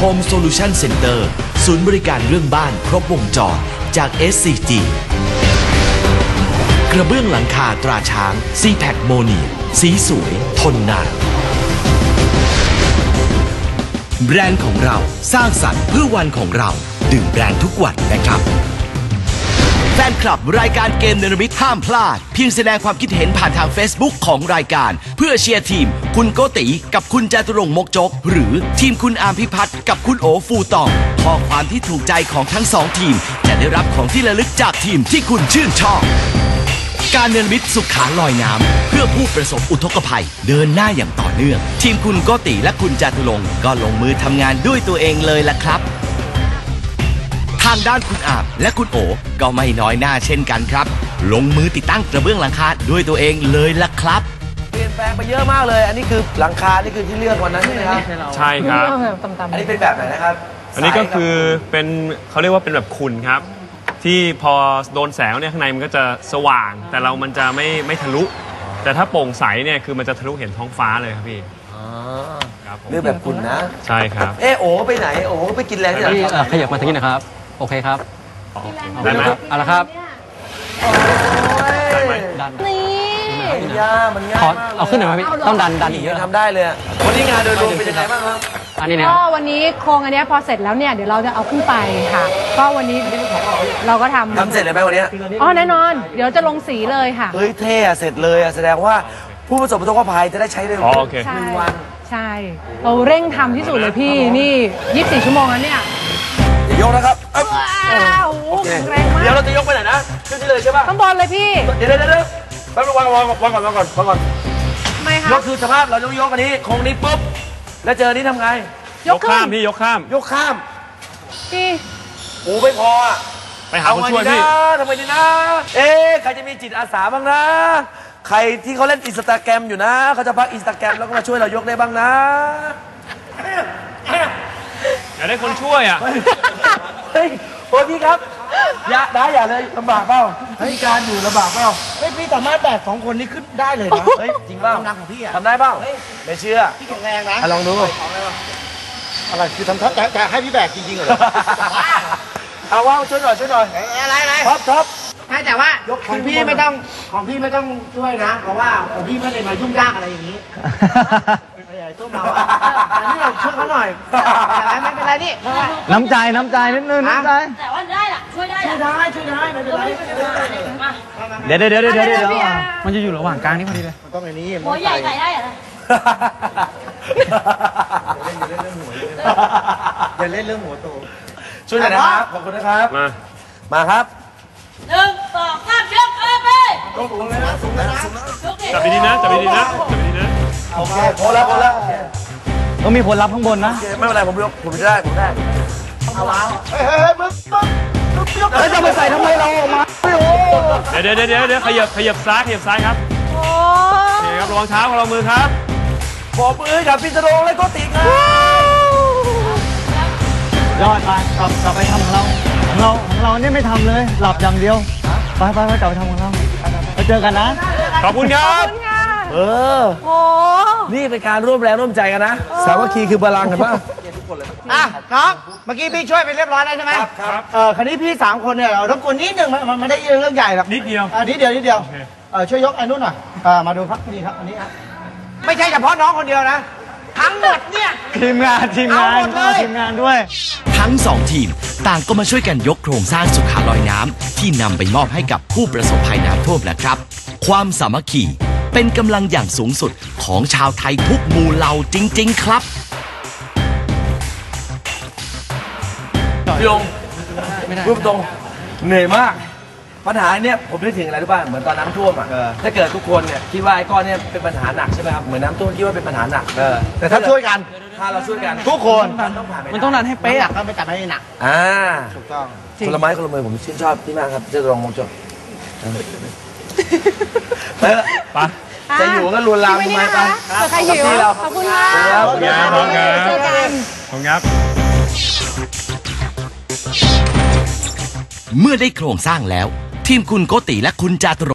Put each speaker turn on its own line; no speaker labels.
Home Solution Center ศูนย์บริการเรื่องบ้านครบวงจรจาก SCG กระเบื้องหลังคาตราช้าง CPAC โมเนียสีสวยทนนานแบรนด์ของเราสร้างสรรค์เพื่อวันของเราดื่มแบรนด์ทุกวันนะครับแฟนคลับรายการเกมเนรมิตห้ามพลาดเพียงแสดงความคิดเห็นผ่านทาง Facebook ของรายการเพื่อเชียร์ทีมคุณโกติกับคุณจาตุรงค์มกจกหรือทีมคุณอาร์มพิพัฒน์กับคุณโอฟูตองข้อความที่ถูกใจของทั้งสองทีมจะได้รับของที่ระลึกจากทีมที่คุณชื่นชอบการเนรมิตสุขาลอยน้ำเพื่อผู้ประสบอุทกภัยเดินหน้าอย่างต่อเนื่องทีมคุณโกติและคุณจาตุรงค์ก็ลงมือทำงานด้วยตัวเองเลยล่ะครับทางด้านคุณอาบและคุณโอก็ไม่น้อยหน้าเช่นกันครับลงมือติดตั้งกระเบื้องหลังคาด้วยตัวเองเลยล่ะครับ
เปลี่ยนแปลงไปเยอะมากเลยอันนี้คือหลังคานี่คือที่เลือกวันนั้นใช่ไหมครับ
ใช่ครับ
อันนี้เป็นแบบไหนนะครับ
อันนี้ก็คือเป็นเขาเรียกว่าเป็นแบบขุ่นครับที่พอโดนแสงเนี่ยข้างในมันก็จะสว่างแต่มันจะไม่ทะลุแต่ถ้าโปร่งใสเนี่ยคือมันจะทะลุเห็นท้องฟ้าเลยครับพี่
ครับเลือกแบบขุ่นนะ
ใช่ครับ
โอ้ไปไหนโอ้ไปกินแรงที่ไหน
ขยับมาทางนี้นะครับโอเคครับ
ได้ไหม
เอาละครับ
ดันนี่ยามันง่ายมาก
เอาขึ้นหน่อยไหมพี่ต้องดันอีกเยอะ
ทำได้เลยวันนี้งานโดยรวมเป็นยังไงบ้างครับ
อันนี้เนี่ย
ก็วันนี้โครงอันนี้พอเสร็จแล้วเนี่ยเดี๋ยวเราจะเอาขึ้นไปค่ะก็วันนี้เราก็ทำ
เสร็จเลยไหมวันนี้
แน่นอนเดี๋ยวจะลงสีเลยค่ะ
เฮ้ยเท่เสร็จเลยแสดงว่าผู้ประสบอุทกภัยจะได้ใช้ได้
1 วันใช่เราเร่งทำที่สุดเลยพี่นี่24 ชั่วโมงแล้วเนี่ย
จะยกนะครับ
แรงมาก
เดี๋ยวเราจะยกไปไหนนะขึ้นที่เลยใช่ป่ะ
ข้างบนเลยพี่
เดี๋ยวแป๊บนึงวางก่อน
ไม่ค่ะ
ยกคือสภาพเราต้องยกอันนี้โครงนี้ปุ๊บแล้วเจอนี้ทำไง
ยกข้ามพี่ยกข้าม
พี่
โอ้ไม่พอ
ไปหาคนช่วยพี่
ทำไมดีนะใครจะมีจิตอาสาบ้างนะใครที่เขาเล่นอินสตาแกรมอยู่นะเขาจะพักอินสตาแกรมแล้วก็มาช่วยเรายกได้บ้างนะ
อยากได้คนช่วย
เฮ้ยโอ้พี่ครับอย่าเลยลำบากเปล่าพี่การอยู่ลำบากเปล่า
พี่สามารถแบก2 คนนี้ขึ้นได้เลยนะ
เฮ้ยจริงเปล่าก
ำลังของพี่
ทำได้เปล่าไม่เชื่อ
พี่แข็งแรงนะ
ลองดู
อะไรคือทำจะให้พี่แบกจริงๆเหรอ
เอาว่าช่วยหน่อย
อะไร
ท็อป
แต่ว่าของพี่ไม่ต้องช่วยนะเพราะว่าของพี่ไม่ได้มายุ่งยากอะไรอย่างนี้ตู้เมาอันนี้เราช่วยเขาหน่อยไม่เป็นไรนี่
น้ำใจนิดนึงน้ำใจ
แต่ว่าได้ล่ะช่วยได้
ไม่เป็นไร
เดี๋ยวมันจะอยู่ระหว่างกลางนี่พอดีเลย
ต้องอย่างนี้
หัวใหญ่ใส่ได้เหรอ
อย่าเล่นเรื่องหัวโต
ช่วยหน่อยนะครับขอบคุณนะครับมาครับ
1 2 3ยกเลยไป
สูงเลยนะ
จับดีๆนะ
โอเคพอแล้ว
ต้องมีคนรับข้างบนนะ
ไม่เป็นไรผมได้
เอาวางมึง
แล้วจะไปใส่ทำไมเราออกมา
เดี๋ยวขยับซ้ายครับโอเคครับระวังเท้าของเรามือครับ
บอกมือกับพี่จรงและโกติครับ
ยอดไปกลับไปทำของเราเนี่ยไม่ทำเลยหลับอย่างเดียวไปกลับไปทำของเราเจอกันนะ
ขอบคุณครับ
นี่เป็นการร่วมแรงร่วมใจกันนะสามัคคีคือพลังกันป่ะ
น้องเมื่อกี้พี่ช่วยไปเรียบร้อยแล้วใช่ไหม
ครับ
คราวนี้พี่3 คนเนี่ยเรารบกวนนิดนึงมันไม่ได้เรื่องใหญ่หรอก
นิดเดียว
ช่วยยกไอ้นู่นหน่อยมาดูครับนี่ครับอันนี้ครับไม่ใช่เฉพาะน้องคนเดียวนะทั้งหมดเนี่ย
ทีมงานด้วย
ทั้ง2 ทีมต่างก็มาช่วยกันยกโครงสร้างสุขาลอยน้ำที่นำไปมอบให้กับผู้ประสบภัยน้ำท่วมแหละครับความสามัคคีเป็นกำลังอย่างสูงสุดของชาวไทยทุกหมู่เหล่าจริงๆครับ
พี่องพูดตรงเหนื่อยมากปัญหาเนี่ยผมนึกถึงอะไรรู้ป่ะเหมือนตอนน้ำท่วมถ้าเกิดทุกคนเนี่ยคิดว่าไอ้ก้อนเนี่ยเป็นปัญหาหนักใช่ไหมครับเหมือนน้ำท่วมคิดว่าเป็นปัญหาหนัก
แต่ถ้าช่วยกัน
ถ้าเราช่วยกัน
ทุกคน
มันต้องดันให้เป๊ะ
ก็ไม่จับให้หนักถูกต้อง
คนละไม้คนละมือผมชื่นชอบที่มากครับจะลองมองจบไปจะอยู่ก็ลวนลามทำไมไป
ใครหิวขอบคุณค่ะ
ขอบคุณครับ
เมื่อได้โครงสร้างแล้วทีมคุณโกติและคุณจาตุร